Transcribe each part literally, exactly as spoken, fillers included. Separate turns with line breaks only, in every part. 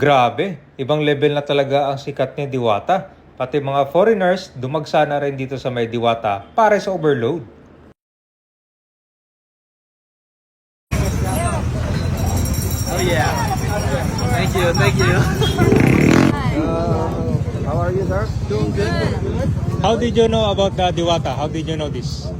Grabe, ibang level na talaga ang sikat ni Diwata. Pati mga foreigners, dumagsa na rin dito sa may Diwata para sa overload.
Oh yeah. Thank you, thank you.
Uh, how are you, sir?
Doing good.
How did you know about the Diwata? How did you know this?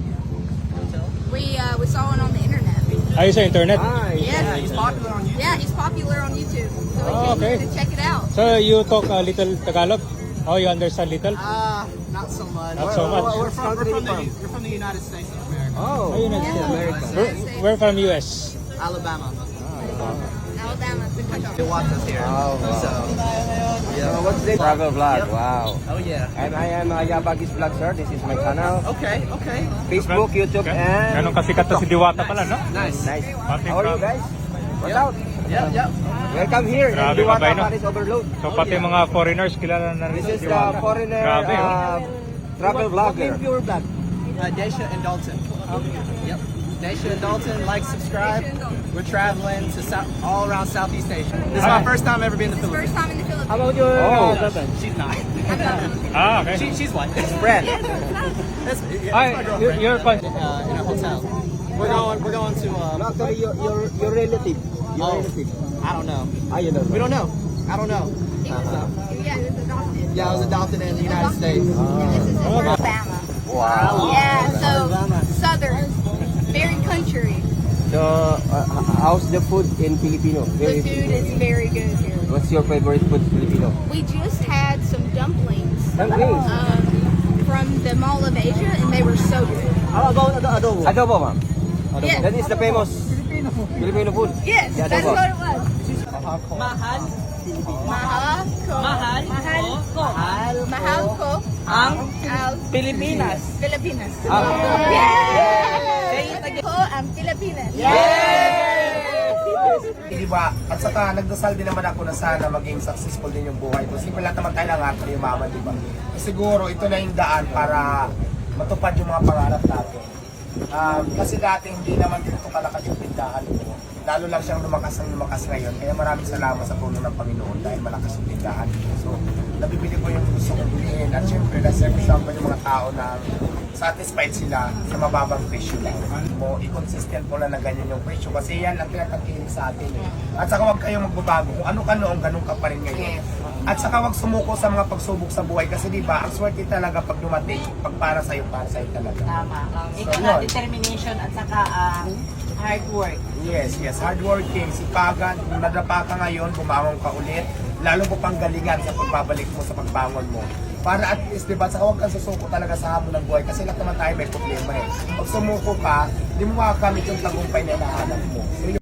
We uh, we saw it on the internet.
Ay, sa internet?
Ah,
Yeah,
He's popular on YouTube.
yeah, he's popular on YouTube. So we
Oh,
came
okay.
here to check it out.
So you talk a little Tagalog? Oh, you understand little?
Uh, not so much.
Not so much.
We're from, we're, from the,
From?
we're from the United States of America.
Oh,
Ayun,
yeah.
yeah.
America.
We're, we're from U S.
Alabama.
Alabama, the country.
Diwata's here.
Oh, wow.
So,
So what's this? Travel vlog. Wow.
oh yeah.
And I am uh, Yabagis Vlog, sir. This is my channel.
Okay, okay.
Facebook, YouTube, and...
Ganun kasikat na si Diwata pala, no?
Nice.
Nice.
Pati
How are you
from-
guys? What's
Yep.
out?
Yep, yep.
Welcome here in
Grabe,
Diwata
kabay, no?
Paris Overload.
So pati mga foreigners kilala na rin
This
si
is the
Diwata.
foreigner
Grabe, oh.
uh, travel vlogger.
Your vlog? Uh, Daisha and Dalton. Yep. Daisha and Dalton, like, subscribe. We're traveling to South, all around Southeast Asia. This is my
Hi.
first time ever being in the
His first
Philippines.
time in the Philippines.
How about your
Oh.
girlfriend? She's not.
Ah, okay.
she, she's white.
Friend.
That's, yeah,
Ay,
that's my
you're,
girlfriend.
you're fun.
uh, in a hotel. We're going. We're going to.
No,
Uh,
actually, your, your, your relative. Your
Oh.
relative.
I don't know.
Ah, you know.
We don't know. I don't know.
He was, yeah, he was adopted.
Yeah, I was adopted in the United States.
And this is in Alabama.
Wow.
Yeah, so
Alabama.
southern, very country.
So, uh, how's the food in Filipino?
The food is very good here.
What's your favorite food Filipino?
We just had some dumplings
Dumplings.
um, from the Mall of Asia, and they were so good.
How about the adobo?
Adobo, ma'am.
Yes.
That is the famous Filipino food.
Yes,
Yeah,
that's
adobo.
what it was.
Mahal,
Mahal ko.
mahal, mahal ko
Mahal ko
ang
ang
Pilipinas.
Pilipinas.
Ah.
Yes! Ko ang Pilipinas.
Di ba? At saka nagdasal din naman ako na sana maging successful din yung buhay ko. Simple lahat naman tayo lang at yumaman, di ba? Siguro ito na yung daan para matupad yung mga pangarap natin. Um, kasi dati hindi naman dito kalakas yung tindahan ko. Lalo lang siyang lumakas ang lumakas ngayon. Kaya maraming salamat sa tulong ng Panginoon dahil malakas yung tindahan ko. So, nabibili ko yung gusto kong bilhin. At syempre, na-serve ko yung mga tao na satisfied sila sa mababang presyo lang. Mo, i-consistent mo lang na ganyan yung presyo kasi yan ang tinatangkilik sa atin. Eh. At saka huwag kayong magbabago. Kung ano ka noong, ganun ka pa rin ngayon. At saka huwag sumuko sa mga pagsubok sa buhay kasi di ba ang swerte talaga pag dumating, pag para sa'yo, para sa'yo talaga.
Tama. Um, ikaw
So,
na,
yun.
determination at saka ah, hard work.
Yes, yes. Hardworking, sipagan. Kung nadapa ka ngayon, bumangon ka ulit. Lalo mo pang galingan sa pagbabalik mo sa pagbangon mo. Para at least, di ba, saka huwag kang susuko talaga sa hamon ng buhay kasi lahat naman tayo may problema eh. Pag sumuko ka, di mo makakamit yung tagumpay na hinahanap mo. So,